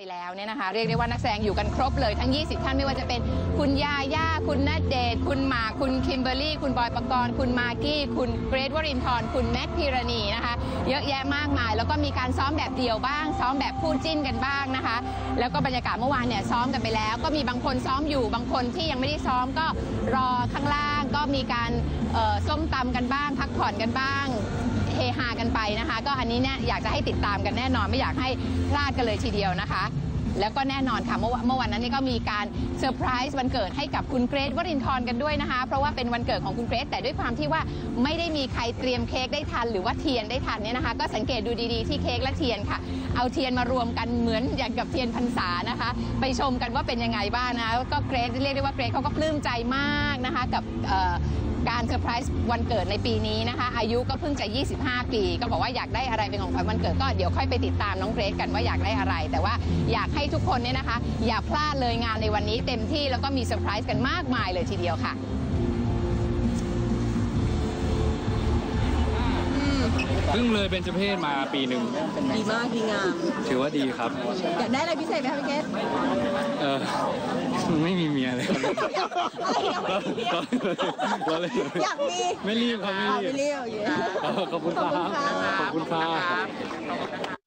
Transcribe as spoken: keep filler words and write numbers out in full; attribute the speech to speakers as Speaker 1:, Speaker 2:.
Speaker 1: แล้วเนี่ยนะคะเรียกได้ว่านักแสดงอยู่กันครบเลยทั้งยี่สิบท่านไม่ว่าจะเป็นคุณยาย่าคุณณเดชน์คุณหมากคุณคิมเบอร์รี่คุณบอยปกรณ์คุณมากกี้คุณเกรทวรินทร์คุณแมทพิรณีนะคะเยอะแยะมากมายแล้วก็มีการซ้อมแบบเดี่ยวบ้างซ้อมแบบคู่จิ้นกันบ้างนะคะแล้วก็บรรยากาศเมื่อวานเนี่ยซ้อมกันไปแล้วก็มีบางคนซ้อมอยู่บางคนที่ยังไม่ได้ซ้อมก็รอข้างล่างก็มีการส้มตำกันบ้างพักผ่อนกันบ้างเฮฮากันไปนะคะก็อันนี้เนี่ยอยากจะให้ติดตามกันแน่นอนไม่อยากให้พลาดกันเลยทีเดียวนะคะแล้วก็แน่นอนค่ะเมื่อเมื่อวันนั้นนี่ก็มีการเซอร์ไพรส์วันเกิดให้กับคุณเกรทวรินทร์กันด้วยนะคะเพราะว่าเป็นวันเกิดของคุณเกรทแต่ด้วยความที่ว่าไม่ได้มีใครเตรียมเค้กได้ทันหรือว่าเทียนได้ทันเนี่ยนะคะก็สังเกตดูดีๆที่เค้กและเทียนค่ะเอาเทียนมารวมกันเหมือนอย่างกับเทียนพรรษานะคะไปชมกันว่าเป็นยังไงบ้างนะก็เกรทเรียกได้ว่าเกรทเขาก็ปลื้มใจมากนะคะกับการเซอร์ไพรส์วันเกิดในปีนี้นะคะอายุก็เพิ่งจะยี่สิบห้าปีก็บอกว่าอยากได้อะไรเป็นของขวัญวันเกิดก็เดี๋ยวค่อยไปติดตามน้องเกรทกันว่าอยากได้อะไรแต่ว่าอยากให้ทุกคนเนี่ยนะคะอย่าพลาดเลยงานในวันนี้เต็มที่แล้วก็มีเซอร์ไพรส์กันมากมายเลยทีเดียวค่ะ
Speaker 2: เพิ่งเลยเป็นเจเพศมาปีหนึ่ง
Speaker 3: ดีมากดีงาม
Speaker 2: ถือว่าดีครับ
Speaker 3: อยากได้อะไรพิเศษไหมคะพี่เกศ
Speaker 2: เออไม่มีเมียเลยครับ
Speaker 3: อยากมี
Speaker 2: ไม่รีบครับไม่รีบ
Speaker 3: ไม่รีบ
Speaker 2: ขอบคุณครับขอบคุณครับ